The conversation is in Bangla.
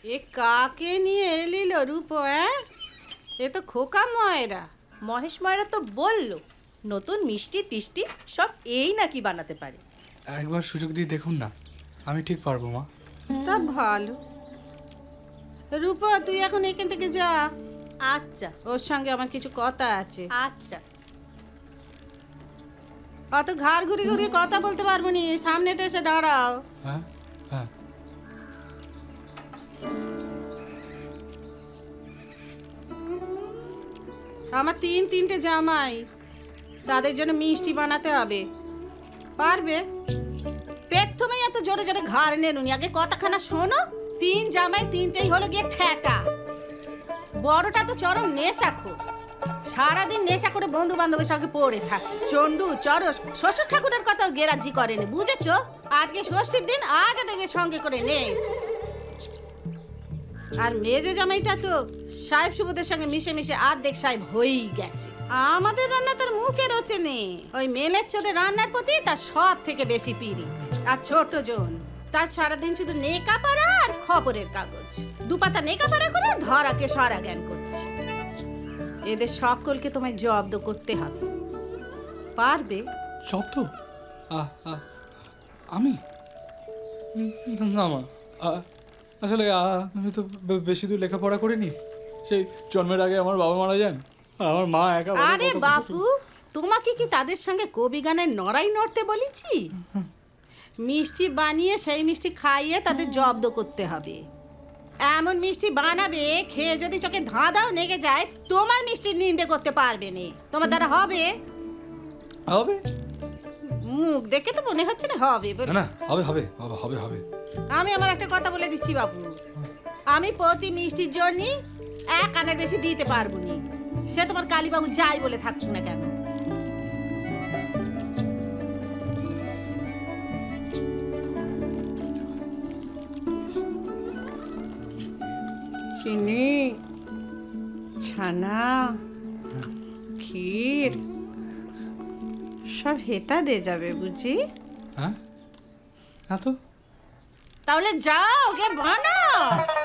এ কাকে নিয়ে এলিল রূপ? এ তো খোকা ময়রা। মহেশ ময়রা তো বলল নতুন মিষ্টি টিষ্টি সব এই নাকি বানাতে পারে। একবার সুযোগ দিয়ে দেখুন না, আমি ঠিক পারবো মা। তা ভালো। রূপ, তুই এখন এখান থেকে যা। আচ্ছা ওর সঙ্গে আমার কিছু কথা আছে। আচ্ছা। অত ঘাড় ঘুরিয়ে ঘুরিয়ে কথা বলতে পারবো নি, সামনেটা এসে দাঁড়াও। হ্যাঁ হ্যাঁ। আমার তিনটে জামাই, তাদের জন্য মিষ্টি বানাতে হবে। পারবে? প্রথমে এত জোরে জোরে ঘাড় নেনুনি, আগে কথাখানা শোনো। 3 জামাই 3টেই হলো গিয়ে ঠেটা। বড়টা তো চরম নেশাখোর, সারাদিন নেশা করে বন্ধু বান্ধবের সঙ্গে পড়ে থাকে। চন্ডু চরস, শ্বশুর ঠাকুরের কথাও গেরাজি করেনি, বুঝেছো? আজকে ষষ্ঠীর দিন, আজ ওদের সঙ্গে করে নিয়েছে। আর মেজো জামাইটা তো সাহেব সুবোধের সঙ্গে মিশে মিশে আর্ধেক সাহেব হয়েই গেছে। আমাদের রান্না তার মুখে রোচে নেই, ওই মেলের চোদের রান্নার প্রতি তার সব থেকে বেশি পিড়ি। আর ছোট জন, তার সারাদিন শুধু নেকা পাড়া আর খবরের কাগজ, দুপাতা নেকা পাড়া করে ধরাকে সরা জ্ঞান করছে। এদের সকলকে তোমায় জব্দ করতে হবে। পারবে? শব্দ? আমি না মা, আসলে আমি তো বেশি দূর লেখাপড়া করিনি। সেই জন্মের আগে আমার বাবা মারা যান, আর আমার মা একা। আরে বাপু, তোমাকে কি তাদের সঙ্গে কবি গানের নড়াই নড়তে বলেছি? মিষ্টি বানিয়ে সেই মিষ্টি খাইয়ে তাদের জব্দ করতে হবে। এমন মিষ্টি বানাবে, খেয়ে যদি চোখে ধাঁধাও লেগে যায়, তোমার মিষ্টির নিন্দে করতে পারবে না। তোমার দ্বারা হবে? হবে? মুখ দেখে তো মনে হচ্ছে না হবে বলে। না, হবে হবে বাবা, হবে হবে। আমি আমার একটা কথা বলে দিচ্ছি বাবু, আমি প্রতি মিষ্টির জন্য 1 আনার বেশি দিতে পারবো না। সে তোমার কালীবাবু যাই বলে থাকুক না কেন। চিনি, ছানা, ক্ষীর সব হেতা দিয়ে যাবে বুঝি? হ্যাঁ, না তো। তাহলে যাও, গে বানাও।